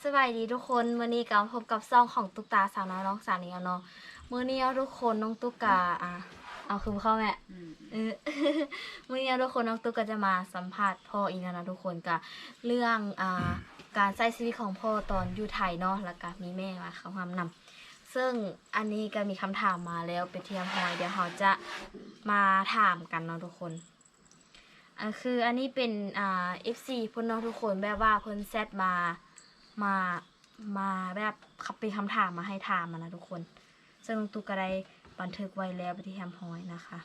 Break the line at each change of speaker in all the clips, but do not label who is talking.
สบายดีทุกคนมื้อนี้ก็พบกับซ่องของตุ๊กตาสาวน้อยน้องสาวนี่เนาะมื้อนี้ทุกคนน้องตุ๊กตาเอาคือเข้าแม่เออ มื้อนี้ทุกคนน้องตุ๊กก็จะมาสัมภาษณ์พ่ออีกแล้วนะทุกคนก็เรื่องการใช้ชีวิตของพ่อตอนอยู่ไทยเนาะแล้วก็มีแม่มาเข้าความนำซึ่งอันนี้ก็มีคำถามมาแล้วไปเทียมหอยเดี๋ยวเราจะมาถามกันเนาะทุกคนคืออันนี้เป็นFC เพิ่นเนาะทุกคนแบบว่าเพิ่นแซดมาแบบเป็นคำถามมาให้ถามมานะทุกคนซึ่งน้องตุ๊กก็ได้บันทึกไว้แล้วไปที่แฮมพอยนะคะ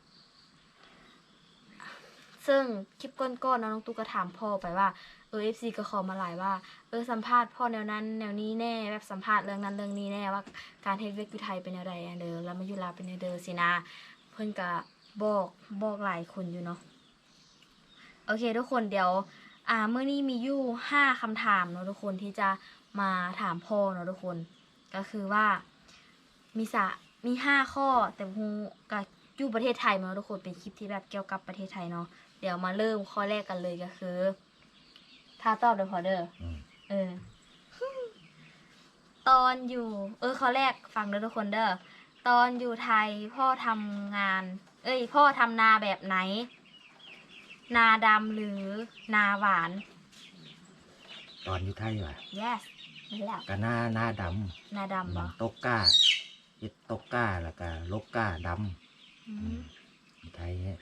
ซึ่งคลิปก้อนๆน้องตุ๊กก็ถามพ่อไปว่าFC ก็ขอมาหลายว่าสัมภาษณ์พ่อแนวนั้นแนวนี้แน่แบบสัมภาษณ์เรื่องนั้นเรื่องนี้แน่ว่าการเฮ็ดเวกอยู่ไทยเป็นแนวใดเด้อแล้วมาอยู่ลาวเป็นแนวเด้อสินะเพิ่นก็บอกหลายคนอยู่เนาะโอเคทุกคนเดี๋ยวเมื่อนี้มีอยู่5คำถามเนาะทุกคนที่จะมาถามพ่อเนาะทุกคนก็คือว่ามี5ข้อแต่ฮูก็อยู่ประเทศไทยเนาะทุกคนเป็นคลิปที่แบบเกี่ยวกับประเทศไทยเนาะเดี๋ยวมาเริ่มข้อแรกกันเลยก็คือถ้าตอบเดี๋ยวพอเด้อตอนอยู่ข้อแรกฟังเด้อทุกคนเด้อตอนอยู่ไทยพ่อทำงานพ่อทำนาแบบไหนนาดำหรือนาหวาน
ตอนอยู่ไทยว่ะ
yes นี่แหละ
ก็หน้าด
นาดำ
ำ
บ่
ตกก้าเฮ็ดตกก้าแล้วก็ลกก้าดำอยู่ไทยเนี่ย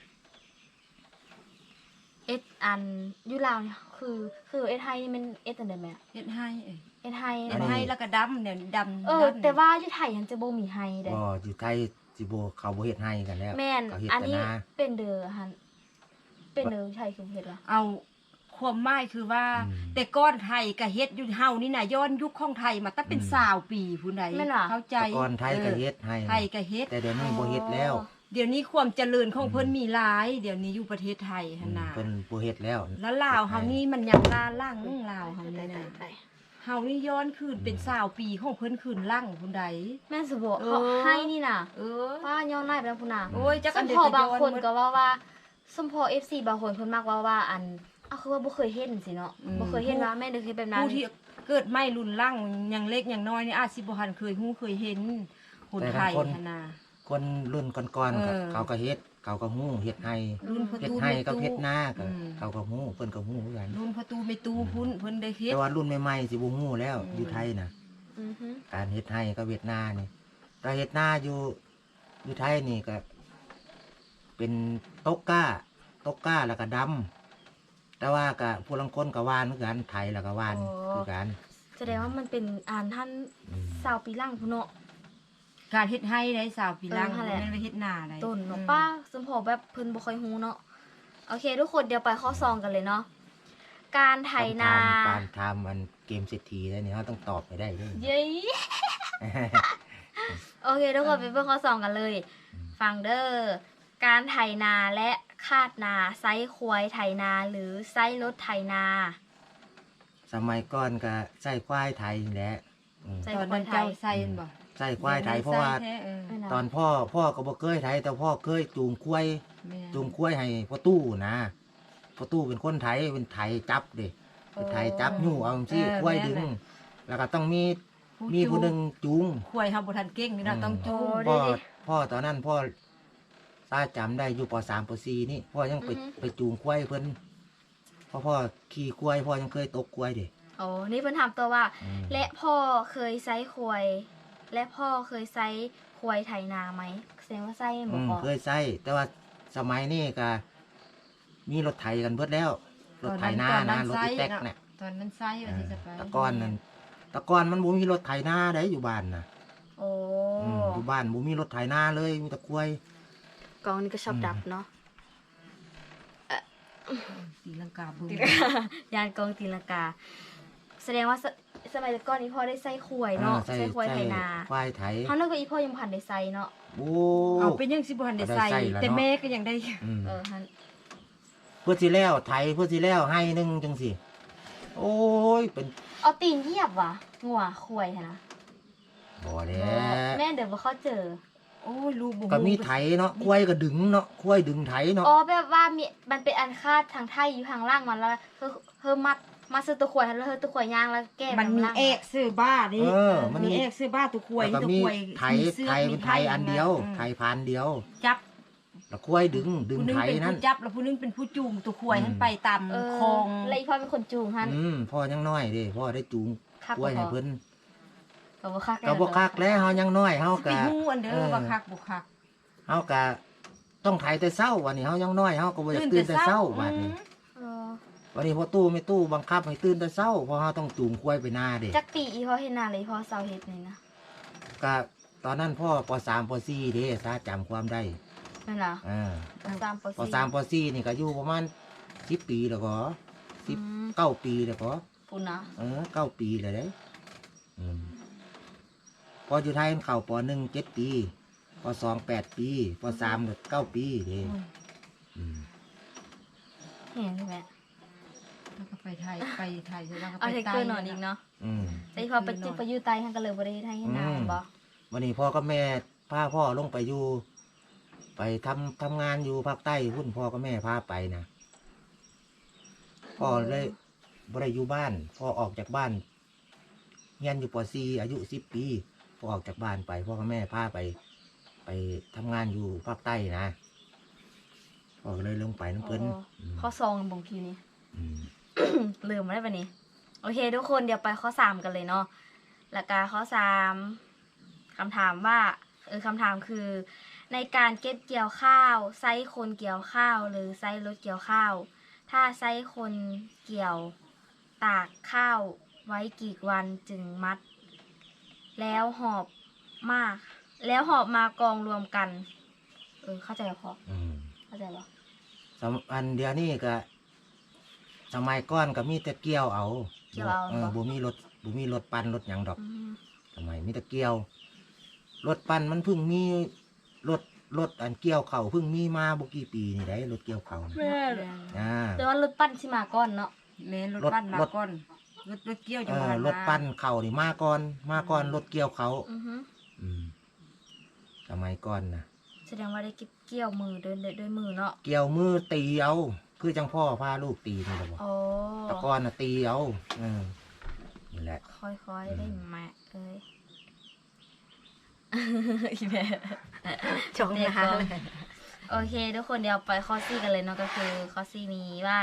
อันอยู่ลาวเนี่ยคือไทยนี่มันอันใดแม่
เฮ็ดให้
ไทย
เฮ็ดให้แล้วก็ดำเนี่ยดำ
แต่ว่าอยู่ไทยยังจะบ่มีไฮเด้
บ่อยู่ไทยสิบ่เขาบ่เฮ็ดให้กันแล้ว
แม่น
เขาเฮ็ด
อัน
แต่
นี้
นา
เป็นเด้อหั่นเป็นเด้อไทยคือเฮ็ดล่ะ
เอาความหมายคือว่าแต่ก้อนไทยก็เฮ็ดอยู่เฮานี่น่ะย้อนยุคของไทยมาตั้งเป็น20ปีผู้ใดเข้าใจ
ก่อนไทยก็เฮ็ดให้
ไทยก็เฮ็ด
แต่เดี๋ยวนี้บ่เฮ็ดแล้ว
เดี๋ยวนี้ความเจริญของเพิ่นมีหลายเดี๋ยวนี้อยู่ประเทศไทยหั่นน่ะ
เพิ่นบ่เฮ็ดแล้ว
แล้วลาวเฮานี่มันยังล่าลั่งลาวเฮานี่น่ะเฮานี่ย้อนคืนเป็น20ปีของเพิ่นคืนลั่งผู้ใด
แม่นสิบ่เขาให้นี่น่ะว่าย้อนได้ไปแล้วพุ่นน่ะ
โอ้ยจักอันเดี
ยวก็ย้อนบางคนก็ว่าสมพอ FC บางคนเพิ่นมักว่าอันคือว่าบ่เคยเห็นสิเนาะบ่เคยเห็นว่าแม่เด้อเคยแบบนั้น
ผู้ที่เกิดไม่รุ่นลั่งยังเล็กยังน้อยนี่อาจสิบ่ทันเคยฮู้เคยเห็นคนไทยหั่นน่ะ
คนรุ่นก่อนๆก็เขาก็เฮ็ดเขาก็ฮู้เฮ็ดให้เฮ็ดให้กับเฮ็ดนาก็เขาก็ฮู้เพิ่นก็ฮู้คือกัน
รุ่นประตูไม่ตู้พุ่นเพิ่นได้เฮ็ด
แต่ว่ารุ่นใหม่ๆสิบ่ฮู้แล้วอยู่ไทยน่ะการเฮ็ดให้กับเฮ็ดนานี่แต่เฮ็ดนาอยู่ไทยนี่ก็เป็นตกก้าแล้วก็ดำแต่ว่าก็ผู้ลังคนก็หวานเหมือนกันไทยแล้วก็หวานคือกัน
แสดงว่ามันเป็นท่าน20ปีหลังพุ่นเนาะ
การเฮ็ดให้ได้20ปีหลังแม่นไปเฮ็ดนาได้
ต้นเนาะป้าสมพอแบบเพิ่นบ่ค่อยฮู้เนาะโอเคทุกคนเดี๋ยวไปข้อ2กันเลยเนาะการไถนา
การทำมันเกมเศรษฐีได้นี่เฮาต้องตอบให้ได้เด้
เย้โอเคทุกคนไปเบิ่งข้อ2กันเลยฟังเด้อการไถนาและคาดนาไซควายไถนาหรือไซรถไถนา
สมัยก่อนก็ใช้ควายไถนี่แหละ
ตอนนั้นเจ้าใส่บ่
ใช้ควายไถเพราะว่าตอนพ่อก็บ่เคยไถแต่พ่อเคยจูงควายให้พ่อตู้นะพ่อตู้เป็นคนไถเป็นไถจับเด้เป็นไถจับยู่เอาจังซี่ควายดึงแล้วก็ต้องมีผู้นึงจูง
ควายเฮาบ่ทันเก่งนี่นะต้องจูง
พ่อตอนนั้นพ่อถ้าจำได้อยู่ป.3 ป.4 นี่พ่อยังไปจูงควายเพิ่นพ่อขี่ควายพ่อยังเคยตกควายเด้
นี่เพิ่นถามตัวว่าและพ่อเคยไซควายและพ่อเคยไซควายไถนาไหมแสดงว่าไซบ่พอ
เคยไซแต่ว่าสมัยนี้ก็มีรถไถกันเบิดแล้วรถไถนารถอีแต๊กเนี่ย
ตอนนั้นไซว่าสิจะไป
ตะก้อนมันบ่มีรถไถนาได้อยู่บ้านน่ะอยู่บ้านบ่มีรถไถนาเลยมีแต่ควาย
กองนี้ก็ชอบดับเนาะ
ตีลังกาบึ้ง
ยานกองตีลังกาแสดงว่าสมัยก่อนนี้พ่อได้ใส่ควายเนาะใส่ควายไถนา
ควายไถ
เฮานึกว่าอีพ่อยังบ่ทันได้ใส่เนาะ
เอาเป็นยังสิบ่ทันได้ใส่แต่แม่ก็ยังได้
หั่น
เพื่อสิแล้วไถเพื่อสิแล้วให้นึงจังซี่โอ้ยเป็น
เอาตีนเหยียบว่ะงัวควายหั่นนะ
บ่แล้
แม่เดี๋ยวบ่เข้าเจอ
โอ้ยลูก
ก็มีไถเนาะควายก็ดึงเนาะควายดึงไถเนาะ
แบบว่ามันเป็นอันคาดทางไทยอยู่ทางล่างมันแล้วเพิ่มมาซื้อตัวขวดแล้วเธอตัวขวดย่างแล้วแก้
มันมี
ำล่าง
เอกซื้อบ้านี่
มัน
มี
มี
เอกซื้อบ้าตัวควย
แล้วก็
ตัว
มี
ควย
ไถ
มีเสื้อ
ไถ
มี
เป็นไถอันเดียวไถพันเดียว
จับ
แล้วควายดึง
ผู้หนึ
ไถ
งเป็น
นั่น
ผู้จับแล้วผู้หนึงเป็นผู้จูงตัวควย
อืม
หันไปตาม
เออ
คลอง
แล้วอีพ่อเป็นคนจูงฮัน
พ่อยังน้อยเด้พ่อได้จูง
คัก
ควายให้
บ่พอ
เพิ่น
ก็บ่คัก
ก็บ่คักแล้วเฮายังน้อยเฮา
ไป
ก็
ฮู้อันเด้อบ่คักบ่คัก
เฮาก็ต้องไถแต่เช้าวันนี้เฮายังน้อยเฮาก็บ่อยากตื่นแต่เช้าบัดนี้
เออ
วันนี้พอตู้ไม่ตู้บังคับให้ตื่นแต่เช้าเพราะเฮาต้องจูงควายไปนาเด้
จักปีอีพ่อเฮ็ดนาเลยอีพ่อเซาเฮ็ดนี่นะ
ก็ตอนนั้นพ่อป .3 ป .4 เด้ถ้าจำความได้
แม่นล่ะ
อ่า
3ป
ป .3 ป .4 นี่ก็อยู่ประมาณ10 ปีแล้วก็19 ปีแล้วก็
ปุ่นนะ
9 ปีเลยเด้พออยู่ไทยมันเข้าป .1 7 ปีป .2 8 ปีป .3 ก็9 ปีเด้อืม
เห็นใช่ไหม
แล้วก็ไปไทยแล้วก็
เอา
ไป
เทค
ใต้
เกอร์นอนอีกเนาะ
อืม
แต่อีพ่อไปจิไปอยู่ใต้ฮันก็เลยบ่ได้เฮ็ดให้เฮ็ดนาบ่
วันนี้พ่อกับแม่พาพ่อลงไปอยู่ ไปทำงานอยู่ภาคใต้พุ่นพ่อกับแม่พาไปนะพ่อเลยบ่ได้อยู่บ้านพ่อออกจากบ้านเรียนอยู่ป .4 อายุ10 ปีพ่อออกจากบ้านไปพ่อกับแม่พาไปทำงานอยู่ภาคใต้นะพ่อก็เลยลงไปน้ำเพิ่น
ข้อซองบ่งคิวนี่
อืม
ลืมมาได้ปะนี่โอเคทุกคนเดี๋ยวไปข้อ3กันเลยเนาะแล้วก็ข้อ3คำถามว่าคำถามคือ ในการเก็บเกี่ยวข้าวใช้คนเกี่ยวข้าวหรือใช้รถเกี่ยวข้าว ถ้าใช้คนเกี่ยวตากข้าวไว้กี่วันจึงมัด แล้วหอบมากองรวมกัน เข้าใจพอ
อืม
เข้าใจปะ
อันเดียวนี่ก็สมัยก่อนก็มีแต่เกี่ยวเอา
เกี่ยวเอา
บ่มีรถปั่นรถหยังดอก
อืม
สมัยมีแต่เกี่ยว รถปั่นมันเพิ่งมีรถอันเกี่ยวเข่าวเพิ่งมีมาบ่กี่ปีนี่ได้รถเกี่ยวเข่าวนะอ่า
แต่ว่ารถปั้นสิมาก่อนเนาะ
แม่นรถปั้นมาก่อนรถเกี่ยวจังหวัด
รถปั่นเข่าวนี่มาก่อนรถเกี่ยวเขาว
อือฮึ
อืมสมัยก่อนนะ
แสดงว่าได้เก็บเกี่ยวมือด้วยมือเนาะ
เกี่ยวมือตีเอาคือจังพ่อพาลูกตีนี่แหละบ่
โอ้
แตะก่อนน่ะตีเอานี่แหละ
ค่อยๆได้แม่เอ้ย อีแม่
ชงนะ
โอเคทุกคนเดี๋ยวไปข้อซี่กันเลยเนาะก็คือข้อซี่นี้ว่า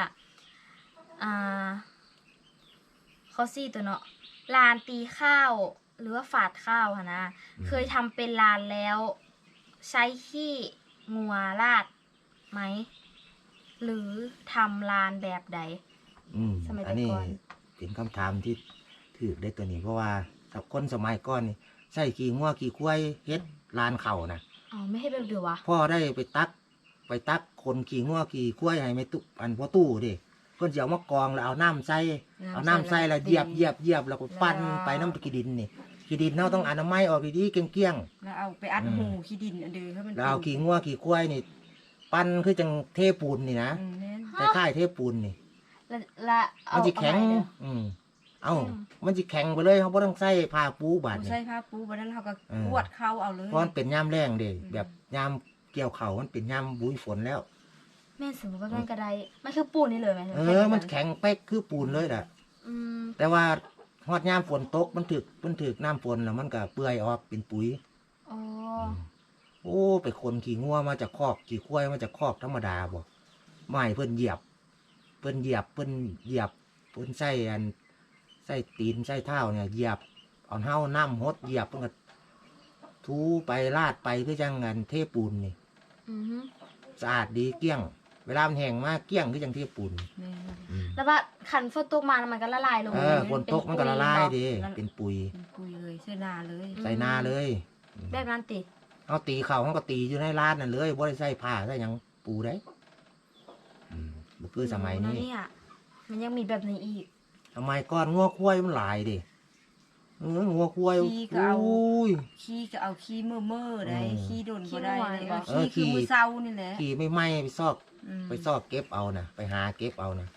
ข้อซี่ตัวเนาะลานตีข้าวหรือว่าฝาดข้าวค่ะนะเคยทำเป็นลานแล้ว ใช้ขี้งัวราดไหมหรือทำลานแบบใด สมัยแต่
อันนี้
ก่อน
เป็นคำถามที่ถูกได้ตัวนี้เพราะว่ากับคนสมัยก่อนนี่ใส่ขี่งัวขี่ควายเฮ็ดลานเข่านะ
อ๋อไม่ให้แบบเดียววะ
พ่อได้ไปตักคนขี่งัวขี่ควายให้ไม่ตุอันพ่อตู้ดิเพิ่นสิเอามากองแล้วเอาน้ำใส่แล้วเหยียบแล้วก็ปั้นไปน้ำขี้ดินนี่ขี้ดินเราต้องอนามัยออกดีๆเกลี้ยง
แล้วเอาไปอัดหูขี้ดินอันเดียวให้มัน
ๆแล้วเอาขี่งัวขี่ควายนี่ปั้นคือจังเทปูนนี่นะ
แม่น
คล้ายๆเทปูนนี่
และเอา
มันสิแข็ง
เอาไปเด้อ
เอ้ามันสิแข็งไปเลยเขาบ่ต้องใส่ผ้าปูบาด
ผู้
นี่
ใส่ผ้าปูบัดนั้นเขาก็
เออ
กวดเข้าเอาเลย
เพราะมันเป็นยามแรงเด้แบบยามเกี่ยวเขาวมันเป็นยามบุยฝนแล้ว
แม่นสมมติว่าแม่นกระไดมันคือปูนนี่เลยไหม
มันแข็งเป๊กคือปูนเลยล่ะ
อืม
แต่ว่าฮอดยามฝนตกมันถึกน้ำฝนแล้วมันก็เปื่อยออกเป็นปุ๋ย
อ๋อ
โอ้ไปคนขี่งัวมาจากคอกขี่ควายมาจากคอกธรรมดาบ่ไม่เพิ่นเหยียบเพิ่นใส่ใส่ตีนใส่เท้าเนี่ยเหยียบเอาเท้าน้ำหดเหยียบเพิ่นก็ทูไปลาดไปคือจังงานเทปูนนี่
อือฮึ
สะอาดดีเกลี้ยง เวลามันแห้งมากเกลี้ยงคือจังเทปูน
แม่น
แล้วว่าขันฝนตกมาแล้วมันก็ละลายลง
ฝนตกมันก็ละลายดีเป็นปุ๋ย
เป็นปุยเลยเสื้อนาเลย
ใส่นาเลย
แบบนั้นติ
เอาตีเขาเขาก็ตีอยู่ในร้านนั่นเลยบ่ได้ใส่ผ้าใส่หยังปูได้บ่คือสมัยนี้
เนี่ยมันยังมีแบบนี้อีก
สมัยก่อนงัวควายมันหลายดิงัวควาย
ขี้ก็เอา
อุ้ย
ขี้ก็เอาขี้เมื่อได้
อืม
ขี้โดนบ่ได้เลย
เออ
ขี้คือ
ขี้
มือเศร้านี่แหละ
ขี่ไม่ไหม้ไปซอก
อืม
ไปซอกเก็บเอานะไปหาเก็บเอานะ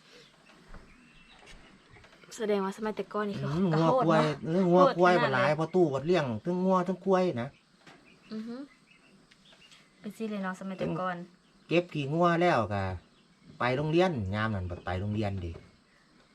แสดงว่าสมัยแต่ก่อนนี่คือ
งัวควายงัวควายมันหลายเพอตู้บัดเลี้ยงทั้งงัวทั้งควายนะ
อือฮึเป็นสิเลยเนาะสมัยแต่ก่อน
เก็บขี่งัวแล้วก็ไปโรงเรียนยามนั้นบัดไปโรงเรียนดิ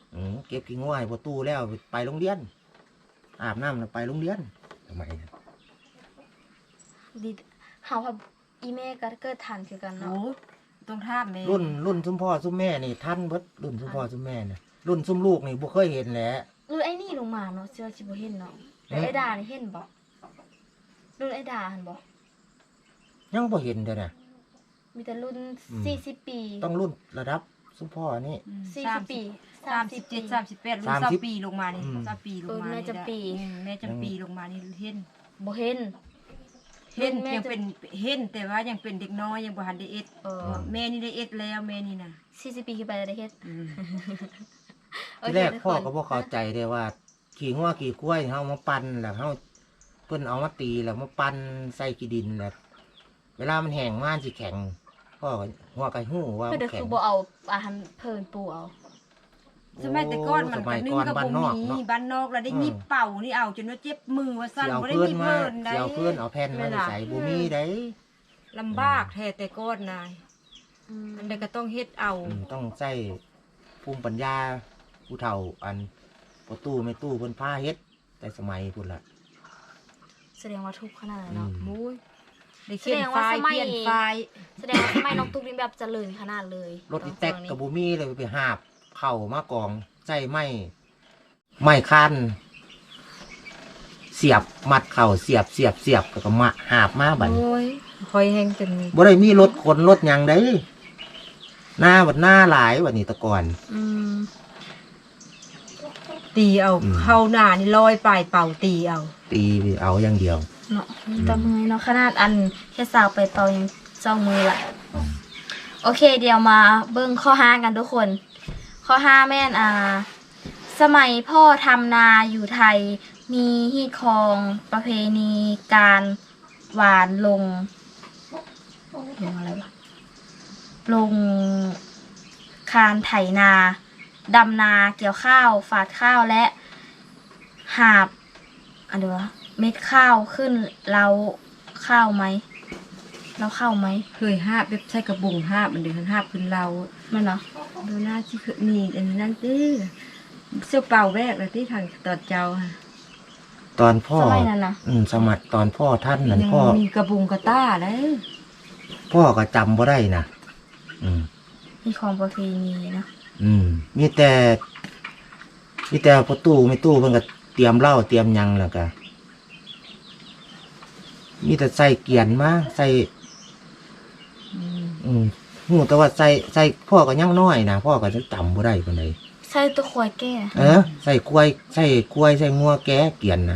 เก็บขี้งัวให้ประตูแล้วไปโรงเรียนอาบน้ำแล้วไปโรงเรียนทำไมนะ
ดีเฮาว่าอีแม่ก็เกิดทันคือกัน
โอ้
เนาะ
ต้องท่ามแม่
รุ่นซุมพ่อซุมแม่นี่ท่านเบิดรุ่นซุมพ่อซุมแม่เนี่ยรุ่นซุมลูกนี่บ่เคยเห็นแหละ
รุ่นไอ้นี่ลงมาเนาะเชื่อสิบ่เห็นเนาะแต่ไอ้ดานี่เห็นบ่รุ่นไอ้ดาหั่นบ่
ยังบ่เห็นเด้อนะ
มีแต่รุ่น40 ปี
ต้องรุ่นระดับซุมพ่อนี่
40 ปี
37 38รุ่น20ปีลงมานี่20ปีลงมานี่แม่จำปีลงมานี่เห็น
บ่เห็น
เห็นยังเป็นเห็นแต่ว่ายังเป็นเด็กน้อยยังบ่ทันได้เอ็ด แม่นี่ได้เอ็ดแล้วแม่นี่น่ะ
40 ปีขึ้นไปได้เฮ็ด
ที่แรกพ่อก็บ่เข้าใจเด้ว่าขี่งัวขี่กล้วยเฮามาปั่นแล้วเฮาเพิ่นเอามาตีแล้วมาปั่นใส่ขี้ดินแล้วเวลามันแห้งมันสิแข็งพ่อก็หัวก็ฮู้ว่า
เพิ่
มัน น
ก็
แข็
คื
ง
อบ่เอาอาหารเพิ่นปูเอา
สมัยแต่ก่อนมันก็นึ่งกับบ่มีบ้านนอกแล้วได้มีเป่านี่เอาจนว่าเจ็บมือว่าสั่น
สิเอา
บ่ได้
เพื่อน
มี
มา
เพิ่นได้
สิเอาเพื่อนเอาแผ่นมาใส่บ่มีได้
ลำบากแท้แต่ก่อนนายอันใดก็ต้องเฮ็ดเอา
ต้องใช้ภูมิปัญญาผู้เฒ่าอันประตูไม่ตู้เพิ่นพาเฮ็ดแต่สมัยพุ่นล่ะ
แสดงว่าทุกข์ขนาดนั้นเนาะ
มุ้ยได้เขียนไฟล์เปลี่ยนไฟล์
แสดงว่าสมัยน้องตุ๊กนี่แบบเจริญขนาดเลย
รถอีแตกกับบ่มีเลยไปหาบเข้ามากองใส่ไม้คันเสียบมัดเข่าเสียบแล้วก็มาหาบมาบัด
โอ้ยคอยแห้งจน
บ่ได้มีรถขนรถหยังได้หน้าบัดหน้าหลายบัดนี้แตะก่อน
ตีเอาเข้าหน้านี่ลอยปลายเป่าตีเอา
ตีเอาอย่างเดียว
เนาะตะมือเนาะขนาดอันแค่สาวไปเป่ายังจ้องมือละโอเคเดี๋ยวมาเบิ่งข้อ5กันทุกคน ข้อ5แม่นสมัยพ่อทำนาอยู่ไทยมีฮีตคองประเพณีการหวานลงอะไรวะลงคานไถนาดำนาเกี่ยวข้าวฝาดข้าวและหาบอันเดียวเม็ดข้าวขึ้นเราข้าวไหมเราข้าวไหม
เคยหาบแบบใช้กระบุงหาบมันเดือหาบขึ้นเรา
มันเนาะ
ดูหน้าที่คือนี่อันนั้นตื้อเสื้อเป่าแวกเลยที่ทางตอดเจ้าค่ะ
ตอนพ่อ
สมัยนั้นนะ
สมัยตอนพ่อท่านนั่น
ยัง
พ่อ
มีกระบุงกระต้าเลย
พ่อก็จำบ่ได้นะ
มีของประเพณีเนาะ
มีแต่ประตูไม่ตู้เพิ่นก็เตรียมเหล้าเตรียมหยังแล้วก็มีแต่ใส่เกียนมาใส่หูแต่ว่าใส่พ่อก็ยังน้อยนะพ่อก็จะจำบ่ได้ปานใด
ใส่ตัวควายแก่
ใส่กล้วยใส่งัวแก้เกียนนะ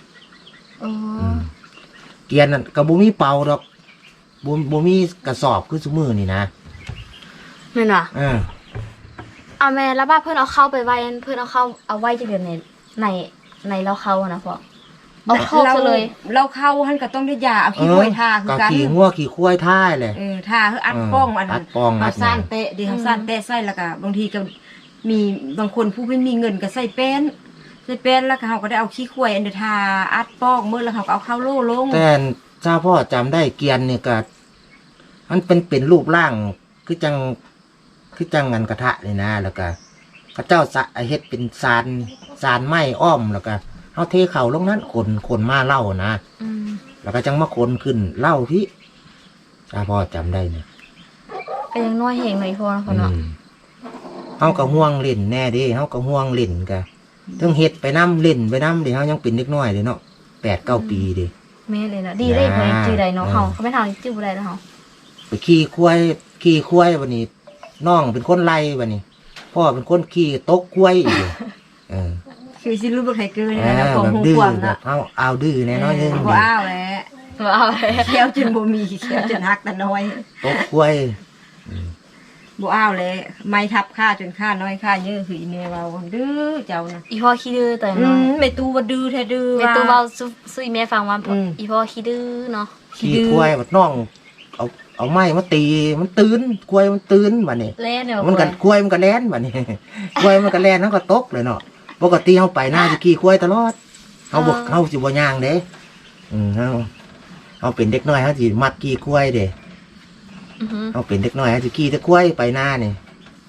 เกียนนั่นก็บ่มีเป่าดอกบ่มีกระสอบคือซุมื้อนี่นะ
แม่นว่ะเอาแม่แล้วบ้าเพิ่นเอาเข้าไปไว้เพิ่นเอาไว้จังเดือนในเราเข้านะพ่อเอาเข้าซะเลย
เราเข้าหันก็ต้องได้ยาเอาขี้ควายทาคือกัน
ขี่งัวขี่ควายท่ายเลย
ทาคืออัดป้องอัน
อัดป้อง
เอาซ่านเตะดีเอาซ่านเตะใส่แล้วก็บางทีก็มีบางคนผู้ไม่มีเงินก็ใส่แป้นแล้วก็เขาก็ได้เอาขี้ควายอันเดทาอัดป้องเมื่อแล้วเขาก็เอาเข้าโล่ลง
แต่เจ้าพ่อจำได้เกียนเนี่ยก็มันเป็นรูปร่างคือจังงันกระทะเลยนะแล้วก็พระเจ้าเฮ็ดเป็นซานไม้อ้อมแล้วก็เอาเทเข่าลงนั้นคนมาเล่านะแล้วก็จังมาคนขึ้นเล่าพี่เจ้าพ่อจำได้เนี่ย
ก็ยังน้อยเหงหน่อยพอนะพ่อเนาะ
เฮาก็ห่วงเล่นแน่เดิเฮาก็ห่วงเล่นกะถึงเฮ็ดไปน้ำเล่นไปน้ำเดี๋ยวเฮายังเป็นเด็กน้อยเลยเนาะ8-9 ปีเดิ
แม่เลยนะดีได้เพิ่นจื้อได้เนาะเฮาเขาไม่ทำจื้อบ่ได้แล้วเฮา
ไปขี่ควายวันนี้น้องเป็นคนไล่วันนี้พ่อเป็นคนขี่ตกควายอีก
คือสิรู้บ่ใครเกิน
แบ
นะของ
บ
หู
ดื้อก
วาง
แบ
นะ
บเอาดื้อแน่น้อยนึง
บ่อ้าวแหละ
เอา
เขียวจนบ่มีเขียวจนหักแต่น้อย
ตกควาย
บ่อ้าวแหละไม้ทับค่าจนค่าน้อยค่าเยอะคืออีเมลว่าดื้อเจ้านะ
อีพ่อขี้ดื้อแต่น้อย
ไม่ตู้ว่าดื้อแท้ดื้อ
แม่ตู้เว้าซุยแม่ฟังว่าอีพ่อขี้ดื้อเนาะ
ขี่ควายบัดน้องเอาไม้มาตีมันตื่นควายมันตื่นบัดนี้
เล่นเนาะ
มันก็ควายมันก็แล่นบัดนี้ ควายมันก็แล่นเฮาก็ตกเลยเนาะปกติเฮาไปหน้าสิขี่ควายตลอดเฮาสิบ่ย่างเด้เฮาเป็นเด็กน้อยเฮาสิมักขี่ควายเด้เฮาเป็นเด็กน้อยเฮาสิขี่แต่ควายไปหน้านี่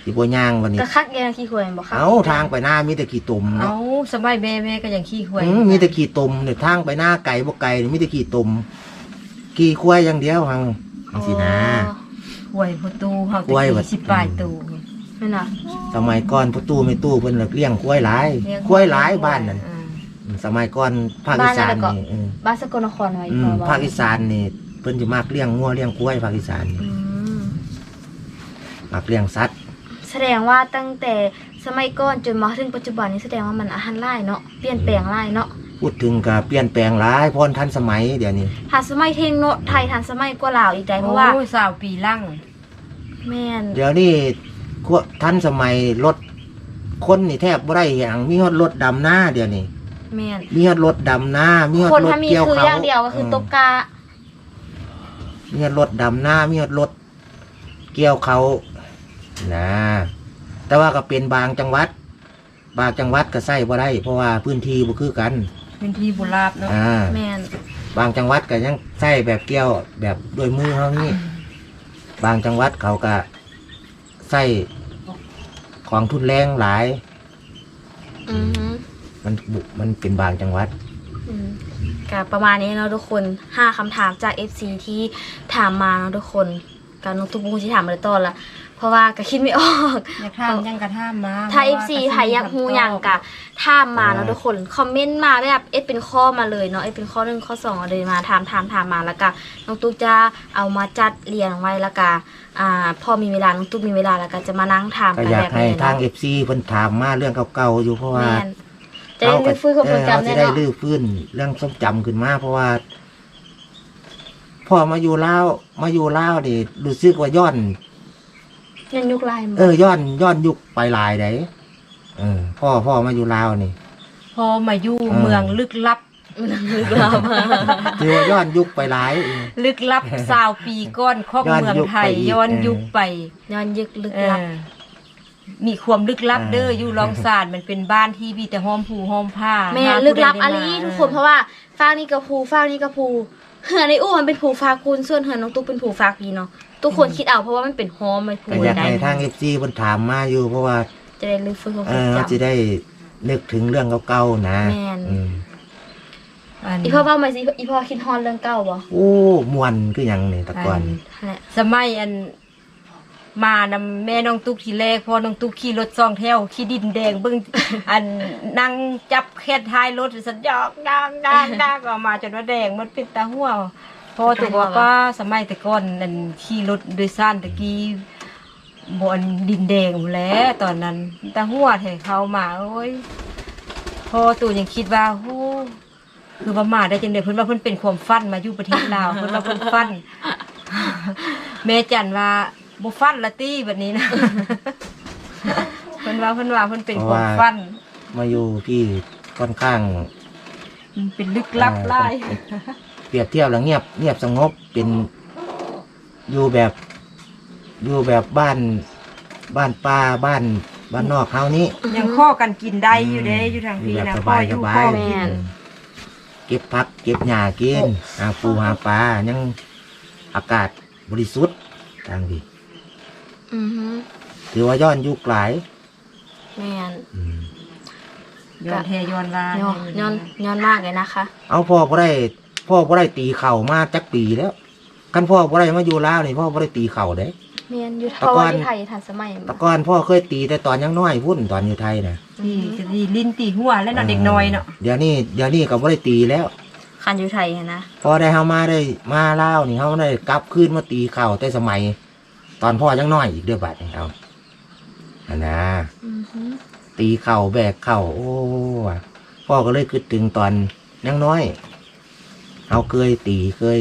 สิบ่ย่างวันนี้
ก็คักแกงขี้หวยบ่ครับ
เอาทางไปหน้ามีแต่ขี้ตุ่ม
เอา
เนาะ
สมัยแม่ก็ยังขี้หวย
มีแต่ขี้ตุ่มเนี่ยทางไปหน้าไก่บ่ไก่นี่มีแต่ขี้ตุ่มขี้ควายอย่างเดียวหังจังซี่นะ
หวยประตูเฮา
หวย
ตะ
บัด
กี้10ปลายตู้
นั่นน่ะ
สมัยก่อนพ่อตู้แม่ตู้เพิ่นเลี้ยงควายหลายควายหลายบ้านนั่นสมัยก่อนภาคอีสานนี่
บ้านสกลนครไว้พอบ่
ภาคอีสานนี่เพิ่นสิมักเลี้ยงงัวเลี้ยงควายภาคอีสานนี่
อืม
มักเลี้ยงสัตว์
แสดงว่าตั้งแต่สมัยก่อนจนมาถึงปัจจุบันนี้แสดงว่ามันอาหารหลายเนาะเปลี่ยนแปลงหลายเนาะ
พูดถึงก็เปลี่ยนแปลงหลายพรทันสมัยเดี๋ยวนี้
ทันสมัยเทงเนาะไทยทันสมัยกว่าลาวอีกได้เพ
โอ้
ราะว่า
20ปีลัง
แม่น
เดี๋ยวนี้ทันสมัยรถคนนี่แทบบ่ได้หยังมีฮอดรถดำหน้าเดี๋ยวนี้
แม่น
มีฮอดรถดำหน้ามีฮอด
คน
รถ
ถ้ามี
เกี่ยว
คือ
เขา
อย่างเดียวก็คือตกกา
มีฮอดรถดำหน้ามีฮอดรถเกี่ยวเขานะแต่ว่าก็เป็นบางจังหวัดก็ใช้บ่ได้เพราะว่าพื้นที่บ่คือกัน
พื้นที่บุราบเนาะ
แม่น
บางจังหวัดก็ยังใช้แบบเกี่ยวแบบด้วยมือเฮานี่บางจังหวัดเขาก็ใช้ของทุนแรงหลาย
อือฮึ
มันเป็นบางจังหวัด
อืมก็ประมาณนี้เนาะทุกคน5คำถามจาก FC ที่ถามมาเนาะทุกคนการน้องตุ๊กบุ้งที่ถามมาเลยต้นละเพราะว่าก็คิดไม่ออก
อยากถามยังกระถามมา
ถ้า FC ใครอยากฮู้หยังก็ถามมาเนาะทุกคนคอมเมนต์มาแบบเป็นข้อมาเลยเนาะเป็นข้อ1ข้อ2เอาเลยมาถามมาแล้วก็น้องตุ๊กจะเอามาจัดเรียงไว้แล้วก็พอมีเวลาน้องตุ๊กมีเวลาแล้วก็จะมานั่งถาม
ก็
กัน
อยา
แบ
ก
บ
ให้
นี้
ทาง
เนาะ
FC เพิ่นถามมาเรื่องเก่าๆอยู่เพราะว่า
แม่นจะได้ลื้อฟื้นความทรงจำ
จะ
แน่
ได้
เนาะ
ลื้อฟื้นเรื่องทรงจำขึ้นมาเพราะว่าพ่อมาอยู่ลาวนี่รู้สึกว่าย้อน
ยังยุคลายมั้
ย้อนยุคไปหลายไดพ่อมาอยู่ลาวนี่
พอมาอยู่เมืองลึกลับ
ลึกลับ
ถือว่าย้อนยุคไปหลาย
ลึกลับ20ปีก่อนของเมืองไทย
ย้
ย้
อ
อน น
ยุ
ยุ
ค
ค
ไป
ไป
ย้อนยึกลึก
เอ
ลับ
อมีความลึกลับเด้ออยู่รองศาสตร์มันเป็นบ้านที่มีแต่ห้อมผูห้อมผ้า
แม่
หา
ลึกลับ
ผู้ใด
อะ
ได้
ไร
มา
ทุกคนเพราะว่าฟางนี่กระพูฟางนี่กระพูเหือในอู้มันเป็นผูฟาคูนส่วนเหือน้องตุ๊กเป็นผูฟากีเนาะทุกคนคิดเอาเพราะว่ามันเป็นฮอมมันผู
ก็อยาก
ได้
ให้ทาง FC เพิ่นถามมาอยู่เพราะว่า
จะได้ลึกฟื้นความทรง
จะ
จำ
ได้นึกถึงเรื่องเก่าๆนะ
แม่น
อืม
อัน
อีพ่อเว้ามาสิอีพ่อคิดฮอนเรื่องเก่าบ่
โอ้มวนคือหยังนี่แตะก่อน
นั่นแหละ
สมัยอันมานำแม่น้องตุ๊กทีแรกพอน้องตุ๊กขี่รถซองแถวขี่ดินแดงเบิ่ง อันนั่งจับแค่ท้ายรถสัญญอกดังออกมาจนว่าแดงมันเป็นตาหัวพอตัวบอกว่าสมัยแต่ก่อนนั่นขี่รถโดยสารตะกี้บอนดินแดงหมดแล้วตอนนั้นตาหัวแถเขามาโอ้ยพอตัวยังคิดว่าโอ้คือว่ามาได้จังได๋เพิ่นว่าเพิ่นเป็นความฝันมาอยู่ประเทศลาวเพิ่นว่าเพิ่นฝัน แม่จันว่าบ่ฟันละตี้แบบนี้นะ เพิ่นว่าเพิ่นเป็นความฟัน
มาอยู่พี่ค่อนข้าง
มันเป็นลึกลับหลาย
เปรียบเทียบแล้วเงียบสงบเป็นอยู่แบบบ้านป่าบ้านนอกเฮานี้
ยังข้อกันกินได้อยู่เด้อยู่ทางพี่
แบบ
นะ
ส
ข้อบ
าย
อยู่
สบา
ข้อย กิน
เก็บผักเก็บหญ้ากินหาปูหาปลายังอากาศบริสุทธิ์ทางพี่
อือฮึ
ถือว่าย้อนยุคหลาย
แม่น
ย้อนแทย้อนลา
ย้อนมากเลยนะคะ
เอาพ่อบ่ได้ตีเข่ามาจักปีแล้วกันพ่อบ่ได้มาอยู่ลาวนี่พ่อบ่ได้ตีเข่าเด้
แม่นอยู่เพราะว่าที่ไทยทันสมัย
แต่ก่อนพ่อเคยตีแต่ตอนยังน้อยพุ่นตอนอยู่ไทยนะ
ที่จะดีลิ้นตีหัวแล้วเนาะเด็กน้อยเนาะ
เดี๋ยวนี้ก็บ่ได้ตีแล้ว
คันอยู่ไทยนะ
พอได้เฮามาลาวนี่เฮาได้กลับคืนมาตีเข่าแต่สมัย ตอนพ่อยังน้อยอีกเด้อบัดนี้เอาอันนะ
อือฮึ
ตีเข่าแบกเข่าโอ้ว่ะพ่อก็เลยคิดถึงตอนยังน้อยเฮาเคยตี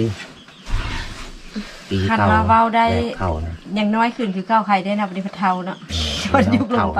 คัน
เข่า
มาเว้าได้
แบกเข่านะ
ยังน้อยขึ้นคือข้าวไข่ได้นะบ่ได้พัดเทาเนาะ ย้อนยุคลงไป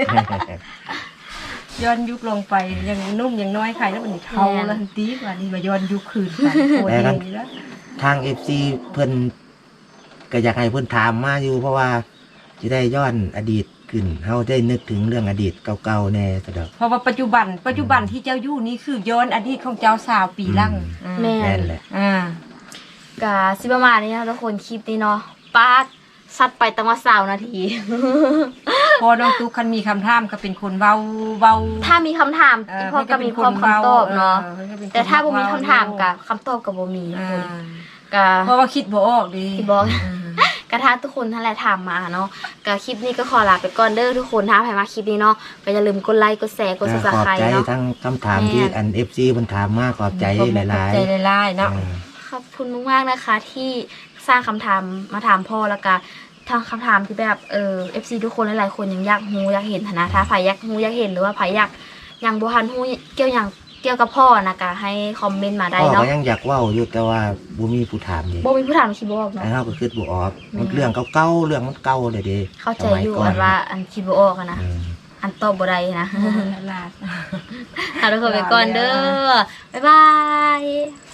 ย้อนยุคลงไปยังนุ่มยังน้อยไข่แล้วมันเทาแล้วทันทีกว่านี้มาย้อนยุคคืนกันโคตรเองนี่ละ
ทาง FC เพิ่นก็อยากให้เพิ่นถามมาอยู่เพราะว่าจะได้ย้อนอดีตขึ้นเฮาได้นึกถึงเรื่องอดีตเก่าๆแน่ซะดอก
เพราะว่าปัจจุบันที่เจ้าอยู่นี่คือย้อนอดีตของเจ้าสาวปีลัง
แม่
แม่
น
นแหละ
อ่า
กะสิประมาณนี้นะทุกคนคลิปนี้เนาะปาดสัตว์ไปตั้งว่า20นาที
พอน้องตุ๊กคันมีคำถามก็เป็นคนเว้า
ถ้ามีคำถามพ่อก็มีพร้อมคำตอบเนาะแต่ถ้าบ่มีคำถามกับคำตอบกับบ่มีคุณก็
เพราะว่าคิดบ่ออกดิ
ที่บอกกระทาทุกคนทั้งหลายถามมาเนาะก็คลิปนี้ก็ขอลาไปก่อนเด้อทุกคนถ้าใครมาคลิปนี้เนาะก็อย่าลืมกดไลค์กดแชร์กด
ขอบ
Subscribe
ใจ
เนาะ
ทั้งคำถามที่อัน FC เพิ่นถามมาขอบใจหลาย
ใจหลายๆ
ๆ
เนาะ
ขอบคุณมากๆนะคะที่สร้างคำถามมาถามพ่อแล้วก็ทางคำถามที่แบบFC ทุกคนหลายๆคนยังอยากรู้อยากเห็นนะถ้าใครอยากรู้อยากเห็นหรือว่าใครอยากยังบ่ทันรู้เกี่ยวกับพ่อนะก็ให้คอมเมนต์มาได้
พ่อ
เนาะ
ก็ยังอยากเว้าอยู่แต่ว่าบ่มีผู้ถามนี่
บ่มีผู้ถามคิดบ่ออกเนาะ
ไอ้เฮาก็คิดบ่ออกมันเรื่องเก่าๆเรื่องมันเก่าเลยเด้
เข้าใจ
สมั
อยู่
ก่
อันว่าอันคิดบ่ออกอะนะ
อืม
อันตอบบ่ได้นะ
ลาด
เอาทุกคนไปก่อนเด้อบ๊ายบาย